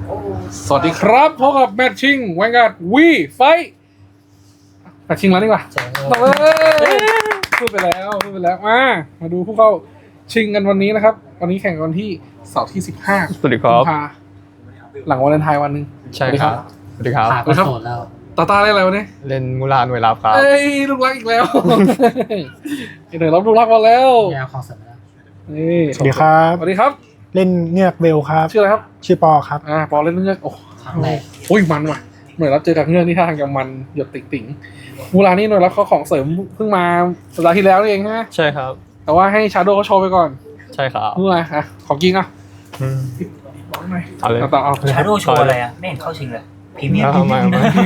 สวัสดีครับพบกับแมทชิ่งแวนการ์ดวีไฟแมทชิ่งแล้วนี่กว่าพูดไปแล้วมาดูผู้เข้าชิงกันวันนี้นะครับ วันนี้แข่งกันวันที่เสาร์ที่15 สวัสดีครับหลังวันเลนไทน์วันหนึ่งใช่ครับ สวัสดีครับผ่านมาโสดแล้วตาเล่นอะไรวันนี้เล่นมูลาหน่วยลับครับเอ้ยลูกรักอีกแล้วเดี๋ยวรับลูกรักมาแล้วยาวคอเสร็จแล้วนี่สวัสดีครับสวัสดีครับเล่นเงือกเบลครับชื่ออะไรครับชื่อปอครับปอเล่นเงือกโอ้ครั้งแรกโอ้ยมันว่ะเหมือนเราเจอกับเงือกที่ท่าทางจะมันหยดติ่งๆมูลานี่หน่วยรับเขาของเสริมเพิ่งมาสัปดาห์ที่แล้วนี่เองนะใช่ครับแต่ว่าให้ชาโดเขาโชว์ไปก่อนใช่ครับเมื่อไหร่ของจริงอ่ะอืมบอกหน่อยเอาเลยต่อเอาชาโดว์โชว์อะไรอ่ะ ไม่เห็นเข้าชิงเลยพรีเมียมเอามา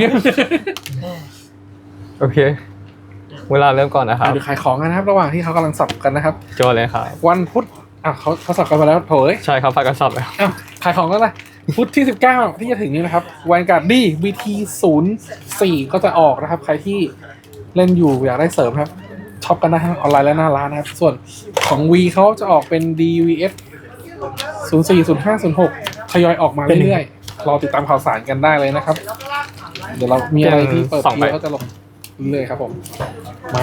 โอเคเวลาเริ่มก่อนนะครับเดี๋ยวขายของกันนะครับระหว่างที่เขากำลังสับกันนะครับโจเลยครับวันพุธเขาสับกันไปแล้วโถยใช่ครับพากันสับแล้วขายของกันเลยพุธที่ 19 ที่จะถึงนี้นะครับวันการ์ดดี BT04 ก็จะออกนะครับ ใครที่เล่นอยู่อยากได้เสริมครับช็อปกันได้ทั้งออนไลน์และหน้าร้านนะครับ ส่วนของ V เขาจะออกเป็น DVS 04 05 06ทยอยออกมาเรื่อยๆรอติดตามข่าวสารกันได้เลยนะครับ เดี๋ยวเรามีอะไรที่เปิดทีเขาจะลงเรื่อยๆครับผมมา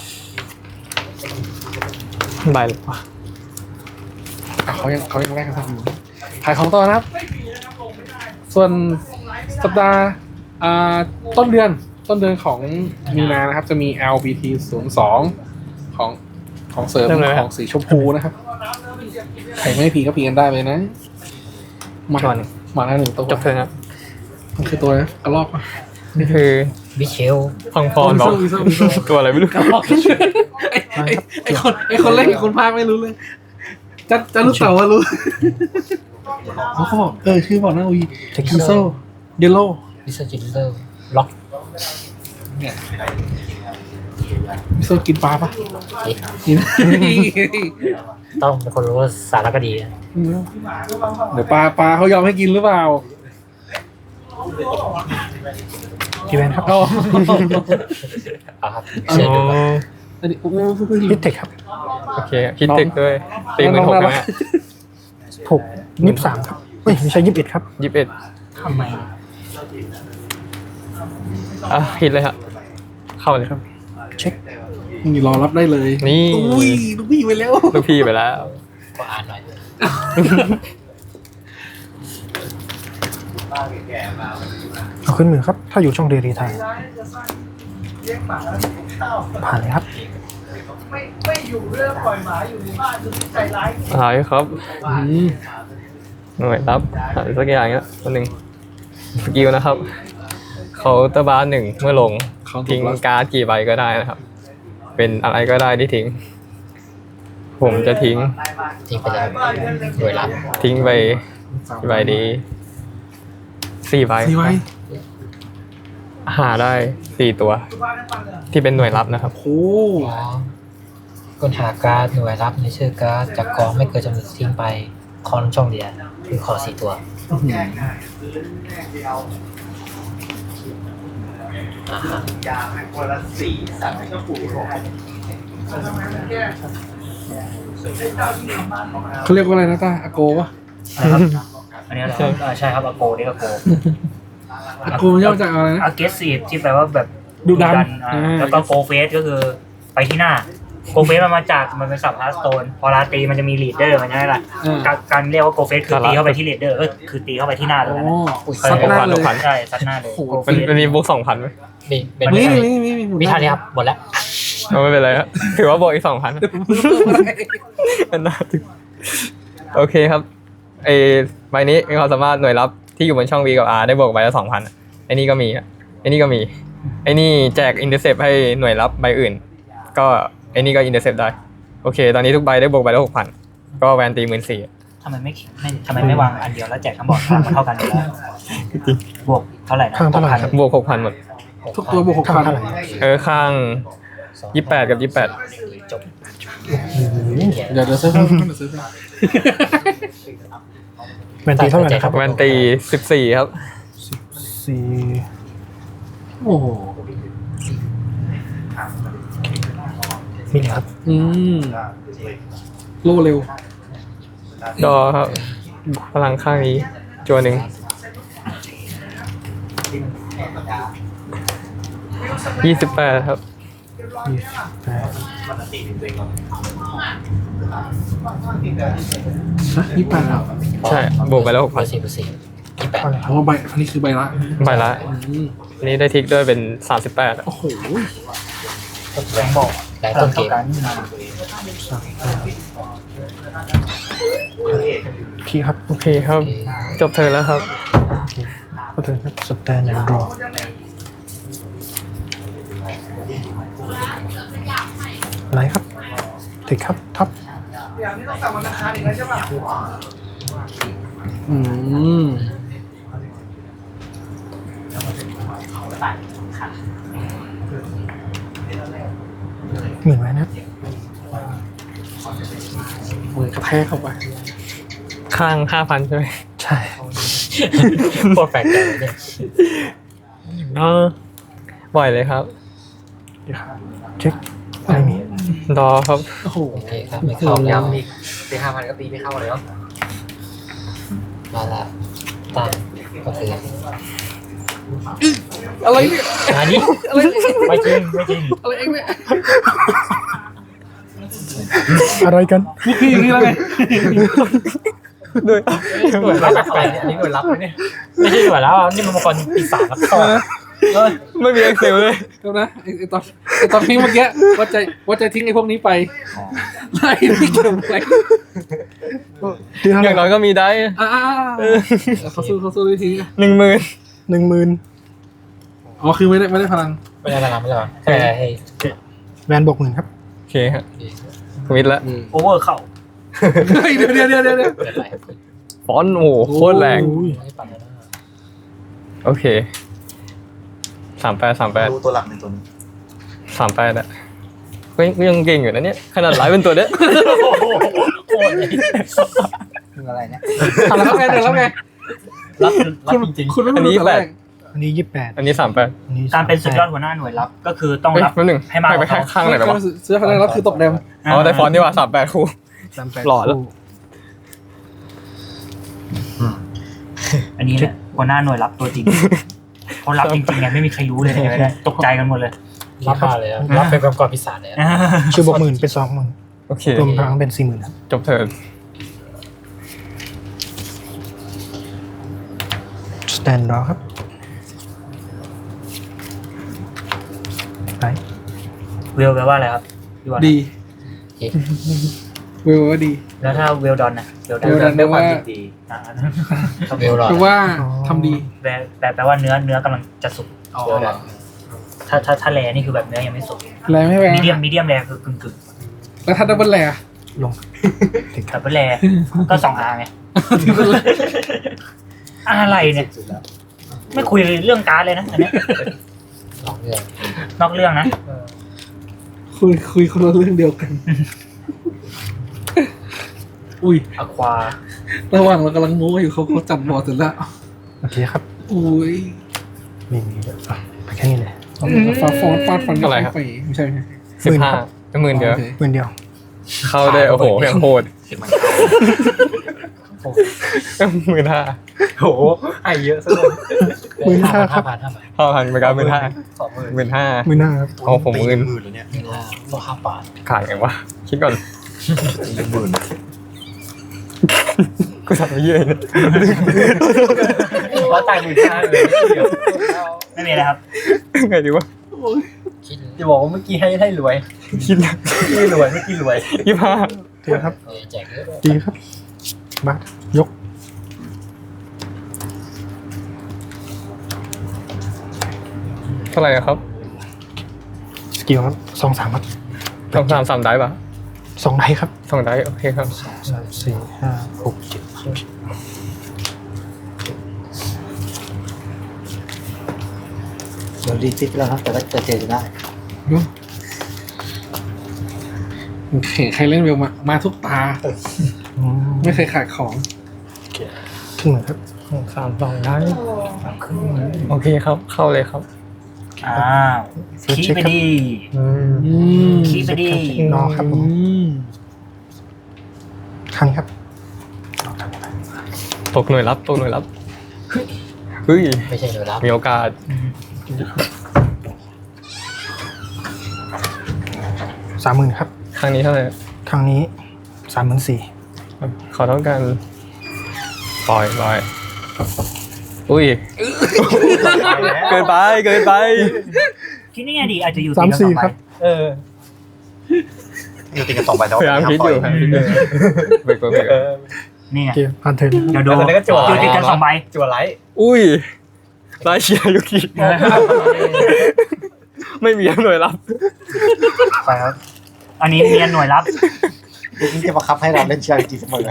ใบหรือเปล่าเขายังแรกกันทันอยู่ขายของต่อนะครับ ส่วนสัปดาห์ต้นเดือนของมีนานะครับ จะมี LBT 02ของเสริมของสีชมพูนะครับใครไม่พีก็พีกันได้เลยนะมาแล้วหนึ่งตัวจบเถอะครับมันคือตัวกระลอกปะนี่คือวิเชลพังพรบอกตัวอะไรไม่รู้กระลอกไอคนเล่นกับคนพากไม่รู้เลยจะรู้เต่าว่ารู้เขาบอกชื่อบอกนะวีคิโซเยลโล่วิสจินเดอร์ล็อกเนี่ยมิโซกินปลาปะกินต้องเป็นคนรู้สารคดีอะเดี๋ยวปลาเขายอมให้กินหรือเปล่าพี่แวนครับเอาเอาครับเชิญดูครับอันนี้โอ้โหฮิตเทคครับโอเคคิดตึกด้วยตีมือหกนะฮะถูก23ครับเฮ้ยไม่ใช่21ครับ 21 ทำไมฮิตเลยครับเข้าเลยครับเช็คนี่รอรับได้เลยนี่อุ้ยลูกพี่ไปแล้วลูกพี่ไปแล้วก็อ่านหน่อยเอาขึ้นมือครับ ถ้าอยู่ช่องเดรีไทยผ่านเลยครับอะไรครับอืมหน่วยรับอะไรสักอย่างเงี้ยตัวหนึ่งสกิลนะครับเขาน์เตอร์บาร์1เมื่อลงทิ้งการ์ดกี่ใบก็ได้นะครับ เป็นอะไรก็ได้ที่ทิ้ง ผมจะทิ้งทิ้งไปเลยหน่วยรับทิ้งไปกี่ใบดี4ใบสี่ไว้หาได้4ตัว ที่เป็นหน่วยรับนะครับโอ้อ๋อคนหาการ์ดหน่วยรับในชื่อการ์ดจากกองไม่เกินจำนวนทิ้งไปคอนช่องเดียวคือขอ4 ตัวเขาเรียกว่าอะไรนะตาอาโกวะนะครับอันนี้เหรอครับใช่ครับอาโกนี่อาโกอาโกมันย่อมาจากอะไรนะ aggressive ที่แปลว่าแบบดุดันแล้วก็โกเฟสก็คือไปที่หน้าโกเฟสมันมาจากมันเป็นสับฮาร์สโตนพอลาตีมันจะมีลีดเดอร์มันใช่ไหมล่ะการเรียกว่าโกเฟสคือตีเข้าไปที่ลีดเดอร์คือตีเข้าไปที่หน้าเลยโอ้นะซัดหน้าเลยใช่ซัดหน้าเลยโอ้โหมันมีบวก2,000ไหมมีเป็นนี่วิธานี้ครับหมดแล้วเอาไม่เป็นไรครับถือว่าบวกอีก 2,000น่าถึงโอเคครับไอใบนี้มีความสามารถหน่วยรับที่อยู่บนช่อง V กับ R ได้บวกใบละ 2,000ไอ้นี่ก็มีไอ้นี่ก็มีไอ้นี่แจกอินเตอร์เซปให้หน่วยรับใบอื่น ก็ไอ้นี่ก็อินเตอร์เซปได้โอเคตอนนี้ทุกใบได้บวกใบละ 6,000ก็แวนตี14,000 ทำไมไม่วางอันเดียวแล้วแจกทั้งบอร์ดมันเท่ากันอยู่แล้วบวกเท่าไหร่นะข้างเท่าไหร่ครับบวก 6,000หมดทุกตัวบวกข้างเท่าไหร่ข้าง28กับ28 จบ 6,000เดี๋ยวเซิร์ฟเพิ่มเดี๋ยวเซิร์ฟเพิ่มแวนตีเท่าไหร่นะครับแวนตี14ครับ 4 โอ้โหมีเลยครับโลเร็วดอครับพลังข้างนี้จัวหนึ่ง 28ครับนี่ไปแล้วใช่บวกไปแล้วเปอร์เซ็นต์28 อ๋อใบอันนี้คือใบละ 6,000ใบละอืมอันนี้ได้ทิกด้วยเป็น38อะโอ้โหแบงค์บอกแรงต้นเกมพี่ครับโอเคครับ จบเธอแล้วครับก็ถึงครับสแตนดาร์ดรอไหนครับถึงครับท็อปอืมหมื่นไว้นะครับมือกระแทกเข้าไปข้าง 5,000 ใช่ไหมใช่โคตรแปลกใจเลยเนี่ยบ่อยเลยครับเดี๋ยวครับเช็คอะไรมีรอครับโอ้โหโอเคครับไม่เข้าแล้วอีกตี5,000ก็ตีไม่เข้าเลยเนาะมาละตั้งก็คืออะไรเนี่ยอันนี้อะไรเนี่ยไม่จริงไม่จริงอะไรเองเนี่ยอะไรกันนี่คืออย่างนี้แล้วไงด้วยหน่วยรับแปลกๆเนี่ยอันนี้หน่วยรับไหมเนี่ยไม่ใช่หน่วยรับนี่มันมังกรปีศาจรับต่อไม่มี Excel เลยเดี๋ยวนะไอตอนทิ้งเมื่อกี้ว่าจะทิ้งไอ้พวกนี้ไปไล่ที่เก็บไว้อย่างน้อยก็มีได้เขาสู้วิธี 10,000 10,000 อ๋อคือไม่ได้พลังไม่ได้รับไม่ได้แค่ให้แวนบวก10,000ครับโอเคครับมิดละโอเวอร์เข้าเดี๋ยวเกิดอะไรฟอนต์โอ้โหโคตรแรงไม่ปั่นแล้วนะโอเค38 ดูตัวหลักในตัวนี้ 38อะก็ยังเก่งอยู่นะเนี่ยขนาดไลฟ์เป็นตัวเนี้ยโคตรเลยคืออะไรเนี่ยทำแล้วไงรับรับจริงคุณไม่รู้แต่แรกอันนี้28 อันนี้38 อันนี้การเป็นสุดยอดหัวหน้าหน่วยรับก็คือต้องเฮ้ยรับแป๊บนึงให้มากกไปว่าเขาข้างไหนหรอวะซื้อพลังแล้วคือตกแดมอ๋อได้ฟอนต์นี่ว่า38คู่ 38 หล่อแล้วอันนี้แหละหัวหน้าหน่วยรับตัวจริงเขารับจริงๆไงไม่มีใครรู้เลยเนี่ยตกใจกันหมดเลยรับมาเลยอะรับเป็นมังกรปีศาจเลยอะชื่อบวก10,000เป็น20,000 โอเครวมพลังเป็น40,000ครับจบเทิร์นสแตนดาร์ดครับไหนเวลแปลว่าอะไรครับพี่วันดีเวลว่าดีแล้วถ้าเวลดอนนะเวลดเวลดอนแปลว่าดีเวลรอแปลว่าทำดีแปลว่าเนื้อกำลังจะสุกอ๋อเวลดอนถ้าแรนี่คือแบบเนื้อยังไม่สุกแรงไม่แรงมีเดียมแรคือกึ่งแล้วถ้าดับเบิลแรงลงถึงคแต่รับเป็นแรก็2R ไงอะไรเนี่ยไม่คุยเรื่องการ์ดเลยนะอันเนี้ยสองเรื่องนอกเรื่องนะคุยคนละเรื่องเดียวกัน อุ้ยอควาระหว่างเรากำลังโม้อยู่เขาจับบอร์ดเสร็จแล้วโอเคครับอุ้ยไม่มีเลยอ่ะไปแค่นี้เลยฟาดฟันไปไม่ใช่ 15 10,000เดียวหมื่นเดียวเข้าได้โอ้โหอย่างโหด 15,000 โหไอเยอะซะเลย 15,000ครับ 5,000ไปกัน15,000 15,000 15,000ครับเอาผมหมื่นหมื่นแล้วเนี่ย 15,000ตัว5 บาทขาดไงวะคิดก่อนตีหมื่นกูทำไปเยอะเลยว่าตาย15,000เลยไม่มีอะไรครับไงดีวะคิดจะบอกว่าเมื่อกี้ให้รวยคิดนะไม่รวยเมื่อกี้รวย 25 เดียวครับแจกเยอะดีครับบัตรยกเท่าไหร่อะครับสกิลครับ2-3ครับ 3ได้ปะ 2ไดครับ 2ได้โอเคครับ 3 4 5 6 7 เดี๋ยวรีซิปแล้วครับแต่ก็จะเจอได้ใครเล่นเวลมาทุกตา ไม่เคยขาดของครึ่งหนึ่งครับ 3 ได้โอเคครับ เข้าเลยครับอ้าวขี้ไปดีขี้ไปดีนอครับผมคันครับตกหน่วยรับเฮ้ยไม่ใช่หน่วยรับมีโอกาส 30,000ครับครั้งนี้เท่าไหร่ครั้งนี้34,000 เขาต้องการปล่อยอุ้ย เกินไปคิดนี่ไงดีอาจจะอยู่ 34,000ครับเอออยู่ติดกัน2ใบแต่พยายามคิดอยู่เบรกนี่ไงโอเคผ่านเทิร์นเดี๋ยวดูแล้วก็จั่วอยู่ติดกัน2 ใบจั่วไลท์อุ้ยไลท์เชียร์ยุกิไม่มีหน่วยรับไปครับอันนี้เรียนหน่วยรับนี่จะบังคับให้เราเล่นเชียร์จริงเสมอบ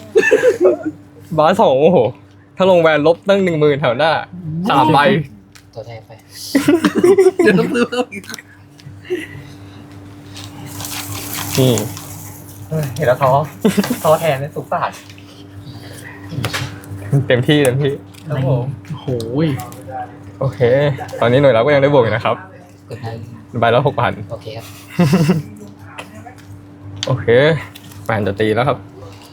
าส2โอ้โห ถ้าลงแวนลบตั้ง 10,000 แถวหน้า3 ใบตัวแทนไปเดี๋ยวต้องซื้อเพิ่มอีกนี่เห็นแล้วท้อแทนเลยสุขสาดเต็มที่ครับผมโอ้โหโอเค ตอนนี้หน่วยรับก็ยังได้บวกอยู่นะครับกดนั้นใบละ 6,000 โอเคครับโอเคแฟนจะตีแล้วครับ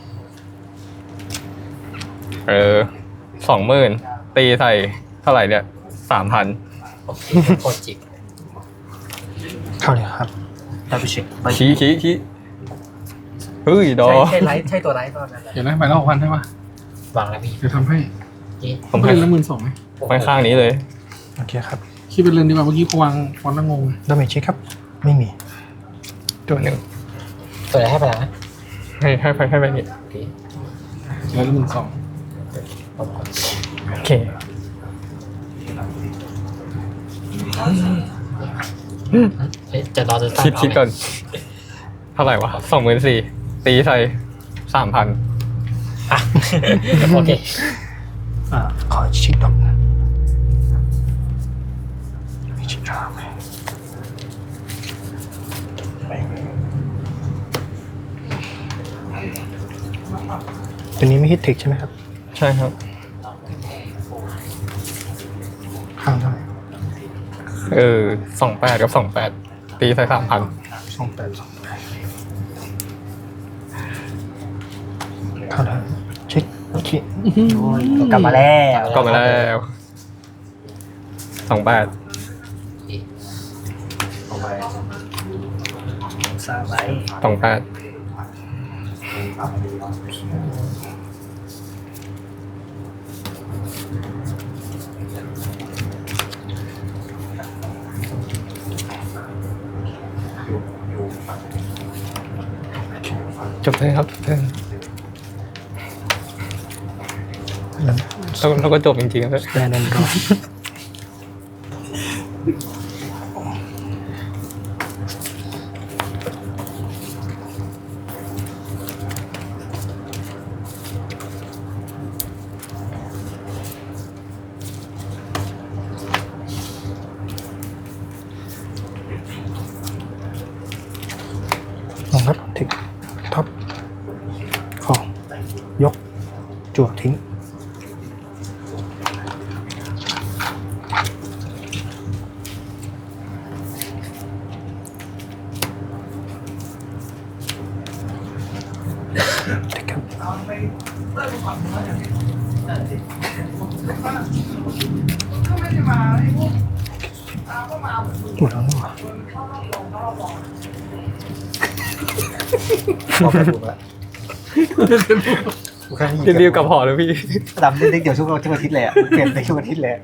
20,000 ตีใส่เท่าไหร่เนี่ย 3,000 โอเคโคตรจิกเข้าเลยครับได้ไปเช็คไปชี้เฮ้ยดอใช่ไลท์ใช่ตัวไลท์ตอนนั้นแหละเดี๋ยวนะไปละ6,000ใช่ปะวางแล้วพี่เดี๋ยวทำให้เอ๊ะผมเล่ให้นละ12,000ไหมข้างๆนี้เลยโอเคครับคิดเป็นเรือนดีกว่าเมื่อกี้พวางฟอนต์ละงงดาเมจเช็คครับ ไม่มีตัวหนึ่งตัวไหนให้ไปแล้วนะให้ไปนี่โอเคเรือนละ12,000 ผมกดโอเคเอ๊ะจะรอจะตั้งคิดก่อน เท่าไหร่วะ 24,000 ตีใส่ 3,000 อ่ะโอเคขอเช็คดอกนะไม่เช็คดอกตัวนี้ไม่ฮิตเทคใช่ไหมครับใช่ครับข้างเท่าไหร่ 28 กับ 28 ตีใส่ 3,000 28เข้าได้เช็คโอเคกลับมาแล้วก็มาแล้ว28 3 ใบ 28 จบเลยครับจบเลยแล้วก็จบจริงๆเลยแดนแอนดรอ ลงครับถึงท็อปของยกจั่วทิ้งเด็กครับหมดแล้วนี่หว่าบอกไปถูกแล้วกูแค่ให้รีบๆกลับหอเลยพี่ดำเล่นเดี๋ยวทุกอาทิตย์เลยเปลี่ยนในทุกอาทิตย์เลย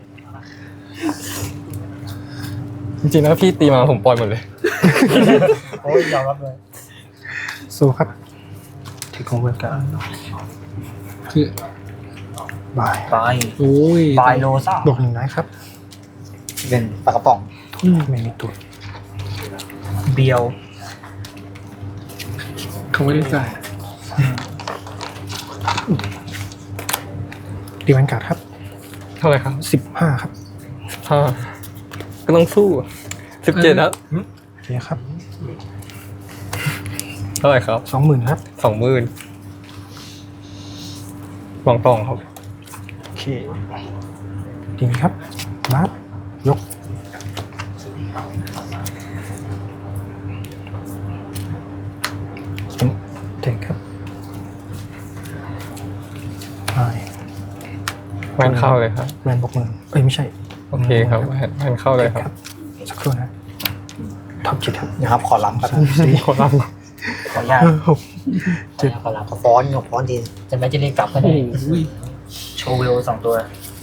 จริงๆแล้วพี่ตีมาผมปล่อยหมดเลยโอ้ยยอมรับเลยสู้ครับที่ของเวลกันคือบายใบโอ้ยใบโลซ่าบวกหนึ่งได้ครับเป็นปลากระป๋องไม่มีตัวเบียวเขาไม่ได้จ่ายดีวันการ์ดครับเท่าไหร่ครับ 15 ครับก็ต้องสู้ 17ครับโอเคครับเท่าไหร่ครับ 20,000 ครับ 20,000วางตองครับโอเคดีไหมครับบัฟยกเทคครับไปแวนเข้าเลยครับแวนบกมือเอ้ยไม่ใช่โอเคครับแวนเข้าเลยครับสักครู่นะท็อป7ครับนะครับขอล้ำครับ 3 4 คนรับขออนุญาต 6 ขอรับขอฟ้อนกับฟ้อนดีจะไม่จะเรียกกลับก็โอ้ได้โหโชว์เวล2 ตัว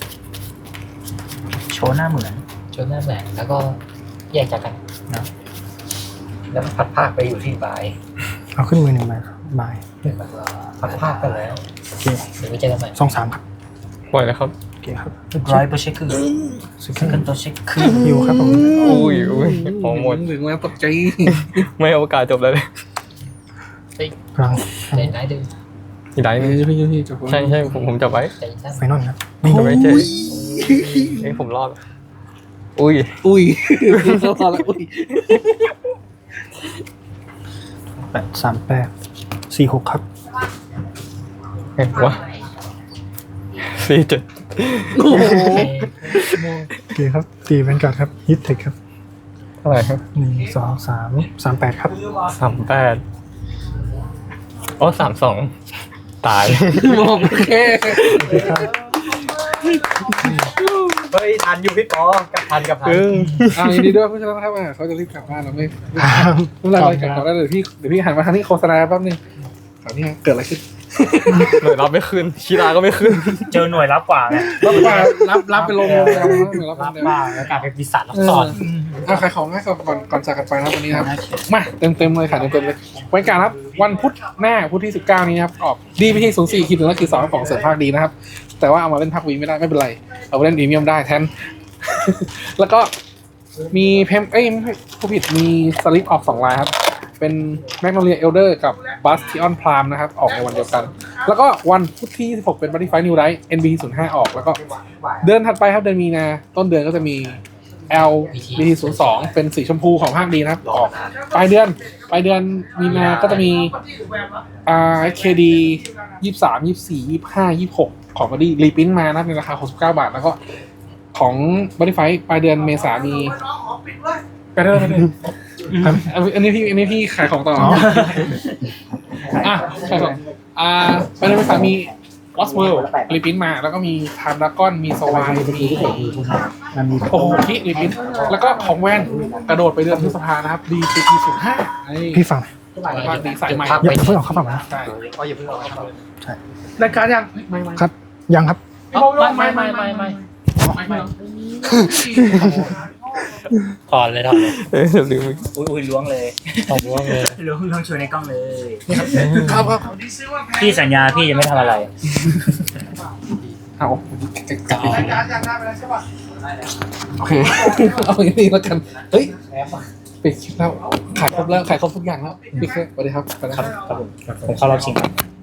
โชว์หน้าเหมือนจนหน้าแหวนแล้วก็แยกจากกันนะแล้วพัดภาคไปอยู่ที่ปลายเอาขึ้นมือ1ใบครับบายพัดภาคกันแล้วโอเคเดี๋ยวไปเจอกันใหม่ 2 3ครับปล่อยแล้วครับโอเคครับร้อยเปอร์เช็คคือสึกขึ้ขึ้นนตัวเช็คคือฮิวครับผมอุ้ยของหมดถึงแล้วตกใจไม่เอาโอกาสจบเลยพลังเล่นไหนดูอีกไหนนึงพี่จะใช่ใช่ผมจับไว้ใจสั้นไฟนอลครับจับไว้เจ๊เอ้ยผมรอดอุ้ยอุ้ยเข้ามาแล้วอุ้ย 8 3 8 4 6ครับเห็นวะ47 โอ้โหโอเคครับตีแวนการ์ดครับฮิตเทคครับเท่าไหร่ครับ 1 2 3 3 8ครับ 38โอ้32ตายบอกโอเคเฮ้ยทันอยู่พี่ปอกับทันกับทันยินดีด้วยผู้ชนะครับเขาจะรีบกลับบ้านเราไม่เป็นไรกลับก่อนได้เลยเดี๋ยวพี่หันมาทางนี้โฆษณาแป๊บนึงคราวนี้เกิดอะไรขึ้นหน่วยรับไม่ขึ้นชีราก็ไม่ขึ้นเจอหน่วยรับกว่าไงรับไปลงรับรับไปบ้างแล้วกลายเป็นปีศาจรับสอนขายของให้ก่อนจากกันไปนะวันนี้ครับมาเต็มเลยค่ะเต็มเลยวันการครับวันพุธหน้าพุธที่19นี้ครับออกดีพีที่04 1ก็คือ2ของเสริมภาคดีนะครับแต่ว่าเอามาเล่นภาควีไม่ได้ไม่เป็นไรเอาไปเล่นพรีเมียมได้แทนแล้วก็มีไม่ใช่ผู้ผิดมีสลิปออก2ลายครับเป็นแมกโนเลียเอลเดอร์กับบัสทิออนพรามนะครับออกในวันเดียวกันแล้วก็วันพุธที่16เป็นบัตตี้ไฟนิวไรท์ NBT 05ออกแล้วก็เดือนถัดไปครับเดือนมีนาต้นเดือนก็จะมี LBT 02เป็นสีชมพูของภาคดีนะครับออกปลายเดือนมีนาก็จะมีKD 23 24 25 26ของบัตตี้รีพิ้นมานะในราคา69 บาทแล้วก็ของบัตตี้ไฟปลายเดือนเมษามีไปเรื่อยอันนี้พี่ขายของต่อขายของไปเดือนเมษามี Lost World รีพิ้นมาแล้วก็มี Time Dragon มี Swine มีโอ้โหพี่รีพิ้นแล้วก็ของแว่นกระโดดไปเดือนพฤษภานะครับ DCT 05 พี่ฟังภาคดีสายใหม่อย่าเพิ่งออกเข้าฝั่งนะใช่อ๋ออย่าเพิ่งเอาครับรายการยังไม่ครับยังครับไม่ ถอนเลยลืมอุ้ยล้วงเลยถอนว่าเลยล้วงชวนในกล้องเลยครับพี่สัญญาพี่จะไม่ทำอะไรเอาโอเคเอาอย่างนี้แล้วกันเฮ้ยปิดคลิปแล้วขายครบทุกอย่างแล้วปิดแค่สวัสดีครับครับผมเข้ารอบชิงครับ